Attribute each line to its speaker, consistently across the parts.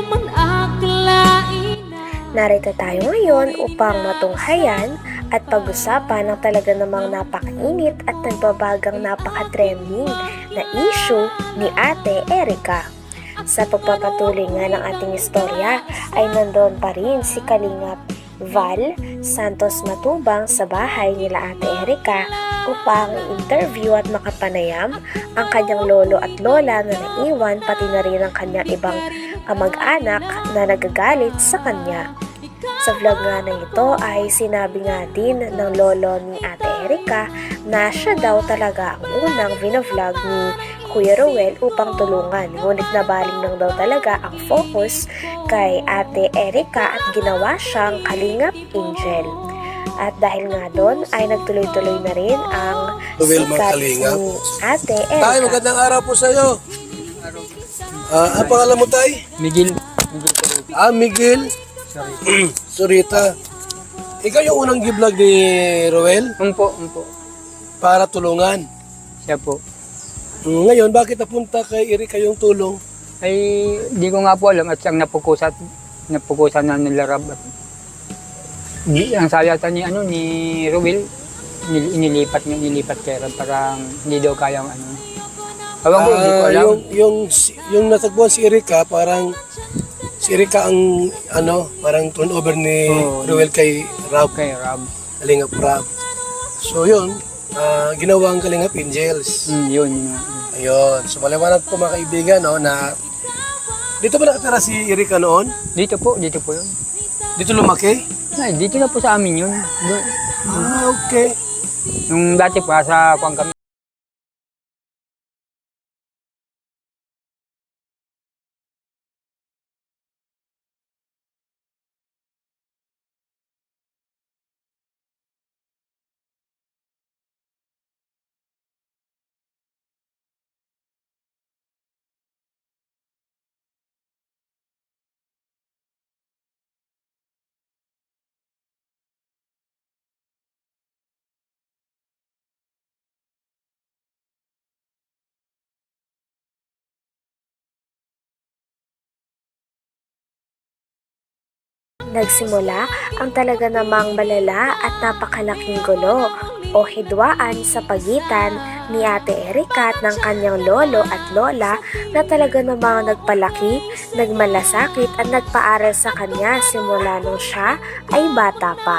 Speaker 1: man akalain.
Speaker 2: Narito tayo ngayon upang matunghayan at pag-usapan ng talaga namang napakainit at nagbabagang napaka-trending na issue ni Ate Erica. Sa pagpapatuloy nga ng ating istorya ay nandoon pa rin si Kalingap Val Santos Matubang sa bahay nila Ate Erica upang i-interview at makapanayam ang kanyang lolo at lola na naiwan, pati na rin ang kanyang ibang kamag-anak na nagagalit sa kanya. Sa vlog nga na ito ay sinabi nga din ng lolo ni Ate Erica na siya daw talaga ang unang vinavlog ni Kuya Ruel upang tulungan. Ngunit nabaling lang daw talaga ang focus kay Ate Erica at ginawa siyang Kalingap Angel. At dahil nga doon ay nagtuloy-tuloy na rin ang sikat ni Ate Erica.
Speaker 3: Tay, magandang araw po sa iyo. Ang pangalan mo, Tay?
Speaker 4: Miguel.
Speaker 3: Miguel. Surita. Ikaw yung unang giblog ni Roel
Speaker 4: Umpo.
Speaker 3: para tulungan.
Speaker 4: Siya po.
Speaker 3: Ngayon, bakit napunta kay Erica yung tulong?
Speaker 4: Ay, di ko nga po alam at siyang napukusan na nila Rab. Ang sayata ni Ruel, inilipat kay Rab, parang hindi daw kayang Ewan ko, hindi ko alam.
Speaker 3: Yung natagpuan si Erica, parang si Erica ang parang turnover ni Roel kay Rab.
Speaker 4: Kay Rab.
Speaker 3: Kalingap Rab. So yun, ginawang Kalingap Angels.
Speaker 4: Yun.
Speaker 3: Ayun. So maliwanag po mga kaibigan na dito ba nakatira si Erica noon?
Speaker 4: Dito po yun.
Speaker 3: Dito lumaki?
Speaker 4: Ay, dito na po sa amin yun.
Speaker 3: Okay.
Speaker 4: Nung dati pa sa kuwang kami.
Speaker 2: Nagsimula ang talaga namang malala at napakalaking gulo o hidwaan sa pagitan ni Ate Erica at ng kanyang lolo at lola na talaga namang nagpalaki, nagmalasakit at nagpaaral sa kanya simula nung siya ay bata pa.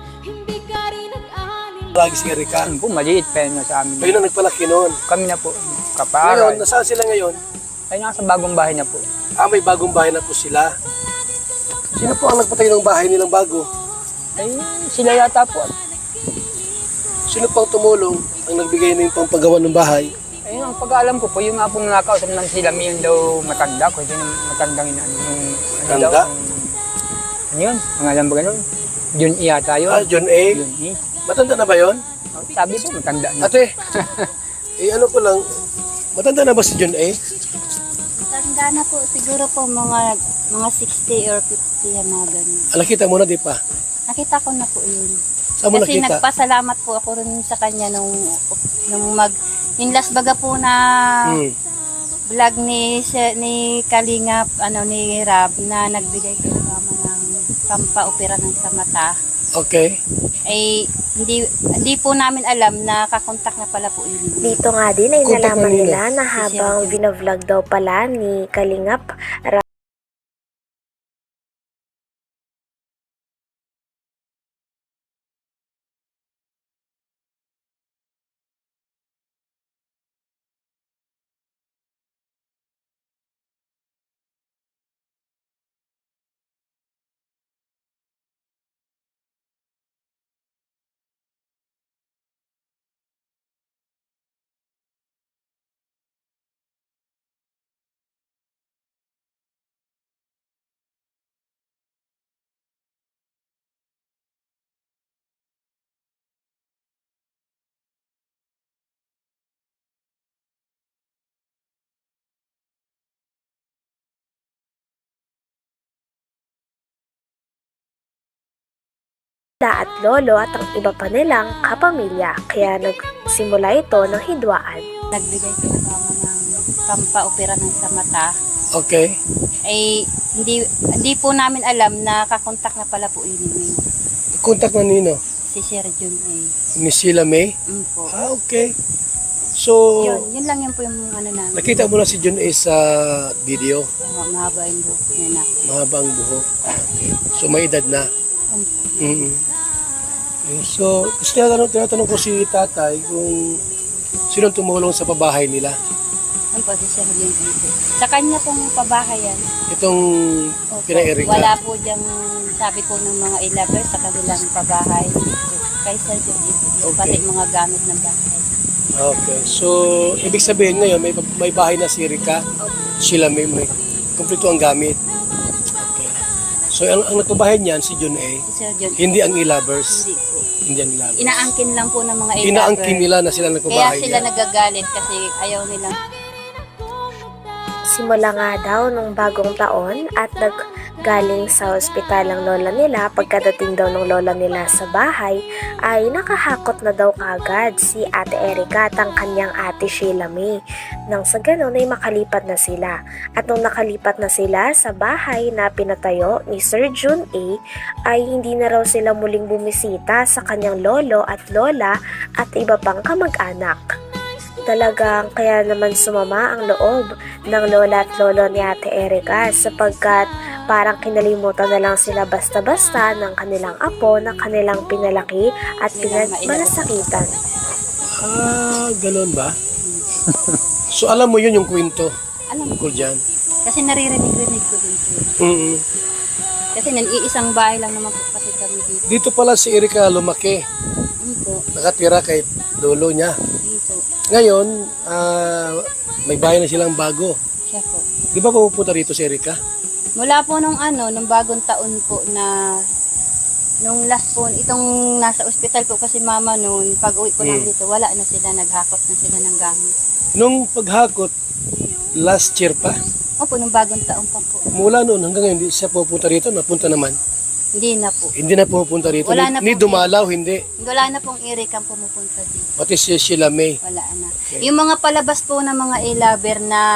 Speaker 3: Lagi si Erica.
Speaker 4: Yun po, maliit pa yun sa amin.
Speaker 3: Kayo na nagpalaki noon.
Speaker 4: Kami na po,
Speaker 3: Ngayon,
Speaker 4: kapaaral.
Speaker 3: nasaan sila ngayon?
Speaker 4: Ay, nasa bagong bahay na po.
Speaker 3: May bagong bahay na po sila. Sino po ang nagpatay ng bahay nilang bago?
Speaker 4: Ay, sila yata po.
Speaker 3: Sino pang tumulong ang nagbigay ng pangpagawa ng bahay?
Speaker 4: Ayun, ang pag-aalam ko po, yung nga pong nakausap ng sila, may yun daw matanda. Kung sino matandang
Speaker 3: Matanda?
Speaker 4: Ano yun? Ang alam ba ganun? Jun E yata yun.
Speaker 3: John A.
Speaker 4: Jun E.
Speaker 3: Matanda na ba yon?
Speaker 4: Sabi po, matanda na.
Speaker 3: Ate, ano ko lang, matanda na ba si John A?
Speaker 5: Tanda na po, siguro po mga 60 or 50 yan mga ganun.
Speaker 3: Nakita mo na, di pa?
Speaker 5: Nakita ko na po yun.
Speaker 3: Saan mo
Speaker 5: Kasi
Speaker 3: nakita?
Speaker 5: nagpasalamat po ako rin sa kanya nung yung last baga po na vlog ni Kalingap, ni Rab, na nagbigay ko ng pampaopera ng sa mata.
Speaker 3: Okay.
Speaker 5: Ay hindi po namin alam na kakontak na pala po yun.
Speaker 2: Dito nga din ay
Speaker 3: Contact
Speaker 2: nalaman
Speaker 3: na nila.
Speaker 2: nila na habang vinavlog daw pala ni Kalingap at lolo at ang iba pa nilang kapamilya, kaya nagsimula ito ng hidwaan.
Speaker 5: Nagbigay ko ng pampaopera ng sa mata.
Speaker 3: Okay.
Speaker 5: Ay Hindi po namin alam na kakontak na pala po yun
Speaker 3: Contact na nino?
Speaker 5: si Sir Jun A.
Speaker 3: Ni Sheila May?
Speaker 5: Po.
Speaker 3: Okay. So,
Speaker 5: Yun lang yun po yung ano namin.
Speaker 3: nakita mo na si John A sa video.
Speaker 5: Mahaba yung buhok niya na.
Speaker 3: Mahaba ang buhok. Okay. So, may edad na. Mm-hmm. Okay. So, kasi tinatanong ko si tatay kung sino tumulong sa pabahay nila.
Speaker 5: Ano po si Sir Jun A. Sa kanya pong pabahay yan.
Speaker 3: Itong pina-Erika.
Speaker 5: Wala po diyang sabi po ng mga ilabers sa kanilang pabahay. Kay Sir Jun A. Pati mga gamit ng bahay.
Speaker 3: Okay. So, ibig sabihin ngayon, may bahay na si Erika. Sila may kumpleto ang gamit. Okay. So, ang nagpabahay niyan, si John A.
Speaker 5: Si Sir Jun A.
Speaker 3: Hindi ang ilabers.
Speaker 5: Hindi po.
Speaker 3: Hindi ang ilabers.
Speaker 5: Inaangkin lang po ng mga ilabers.
Speaker 3: Inaangkin nila na sila
Speaker 5: Kaya
Speaker 3: nagpabahay
Speaker 5: sila
Speaker 3: niyan.
Speaker 5: nagagalit kasi ayaw nilang
Speaker 2: Simula nga daw nung bagong taon at naggaling sa ospital ang lola nila, pagkadating daw ng lola nila sa bahay ay nakahakot na daw kagad si Ate Erika at ang kanyang ate Sheila May. Nang sa ganon ay makalipat na sila. At nung nakalipat na sila sa bahay na pinatayo ni Sir Jun A ay hindi na raw sila muling bumisita sa kanyang lolo at lola at iba pang kamag-anak. Talagang kaya naman sumama ang loob ng lola at lolo ni Ate Erika sapagkat parang kinalimutan na lang sila basta-basta ng kanilang apo na kanilang pinalaki at pinagmalasakitan.
Speaker 3: Galon ba? So, alam mo yun yung kwento.
Speaker 5: alam
Speaker 3: Ko dyan.
Speaker 5: kasi naririnig-rinig ko din po.
Speaker 3: Mm-mm.
Speaker 5: Kasi iisang bahay lang naman po kasi kami dito.
Speaker 3: Dito pala si Erika lumaki.
Speaker 5: Po.
Speaker 3: Nakatira kay lolo niya.
Speaker 5: Dito.
Speaker 3: Ngayon, may bahay na silang bago.
Speaker 5: Siya po.
Speaker 3: Di ba pupunta rito si Erika?
Speaker 5: Mula po nung bagong taon po na nung last po, itong nasa ospital po kasi mama noon, pag uwi po namin dito, wala na sila, naghakot na sila ng gamit.
Speaker 3: Nung paghakot, last year pa,
Speaker 5: Opo, nung bagong taon pa po.
Speaker 3: mula noon hanggang ngayon, hindi siya pupunta rito, napunta naman.
Speaker 5: Hindi na po.
Speaker 3: Hindi na pupunta rito.
Speaker 5: Wala na
Speaker 3: Ni
Speaker 5: po.
Speaker 3: dumalaw, hindi.
Speaker 5: Wala na pong Erika ang pumupunta dito.
Speaker 3: Pati si Sheila May.
Speaker 5: Wala na. Yung mga palabas po ng mga e-lover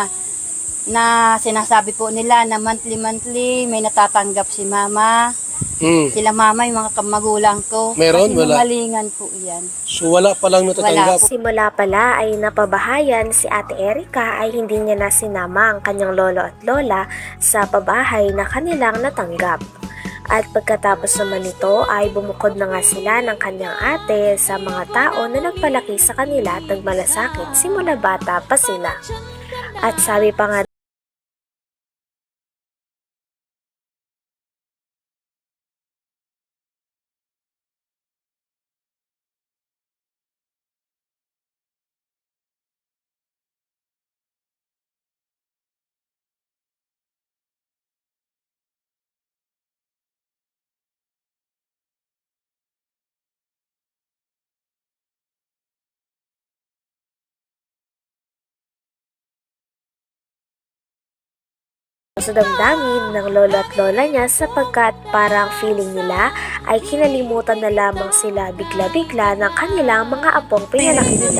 Speaker 5: na sinasabi po nila na monthly may natatanggap si mama. Sila mama, yung mga magulang ko.
Speaker 3: Meron?
Speaker 5: Kasi
Speaker 3: Wala.
Speaker 5: malingan po yan.
Speaker 3: So wala pa lang natatanggap.
Speaker 2: Simula pala ay napabahayan si Ate Erika ay hindi niya na sinama ang kanyang lolo at lola sa pabahay na kanilang natanggap. At pagkatapos naman nito ay bumukod na nga sila ng kanyang ate sa mga tao na nagpalaki sa kanila at nagmalasakit simula bata pa sila. At sabi pa nga sa damdamin ng lolo at lola niya sapagkat parang feeling nila ay kinalimutan na lamang sila bigla-bigla ng kanilang mga apong pinalaki nila.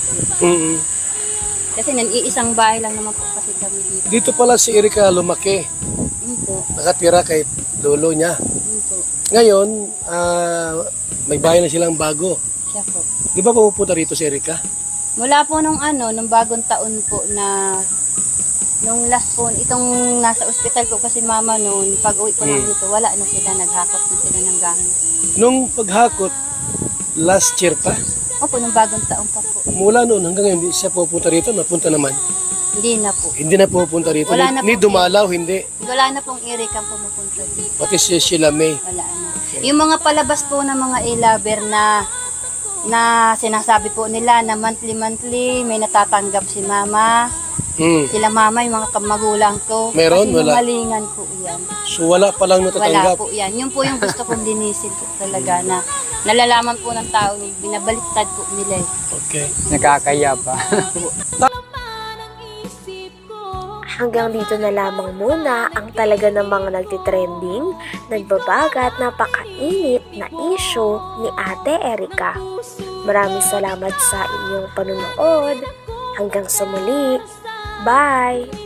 Speaker 5: Kasi iisang bahay lang naman po kasi kami dito.
Speaker 3: Dito pala si Erika lumaki.
Speaker 5: Po.
Speaker 3: Nakatira kay lolo niya.
Speaker 5: Po.
Speaker 3: Ngayon, may bahay na silang bago.
Speaker 5: Siya po.
Speaker 3: Di ba pupunta rito si Erika?
Speaker 5: Mula po nung bagong taon po na nung last po, itong nasa ospital po kasi mama noon, pag uwi po namin dito, wala na sila, naghakot na sila ng gamit.
Speaker 3: Nung paghakot, last year pa,
Speaker 5: Opo, nung bagong taon pa po.
Speaker 3: mula noon hanggang ngayon, hindi siya pupunta rito, napunta naman.
Speaker 5: Hindi na po.
Speaker 3: Hindi na pupunta rito.
Speaker 5: Wala na
Speaker 3: Ni
Speaker 5: po.
Speaker 3: dumalaw, hindi.
Speaker 5: Wala na pong Erika ang pumupunta dito.
Speaker 3: Pati si Sheila May.
Speaker 5: Wala na. Yung mga palabas po ng mga e-lover na sinasabi po nila na monthly may natatanggap si mama. Sila mama, yung mga magulang ko.
Speaker 3: Meron?
Speaker 5: Kasi
Speaker 3: Wala.
Speaker 5: malingan po yan.
Speaker 3: So wala pa lang
Speaker 5: Wala
Speaker 3: natatanggap.
Speaker 5: po yan. Yun po yung gusto kong linisin po talaga na nalalaman po ng tao, binabaliktad po nila eh.
Speaker 3: Okay.
Speaker 4: Nakakaya pa.
Speaker 2: Hanggang dito na lamang muna ang talaga namang nagtitrending, nagbabaga at napakainit na issue ni Ate Erika. Maraming salamat sa inyong panunood. Hanggang sa muli. Bye!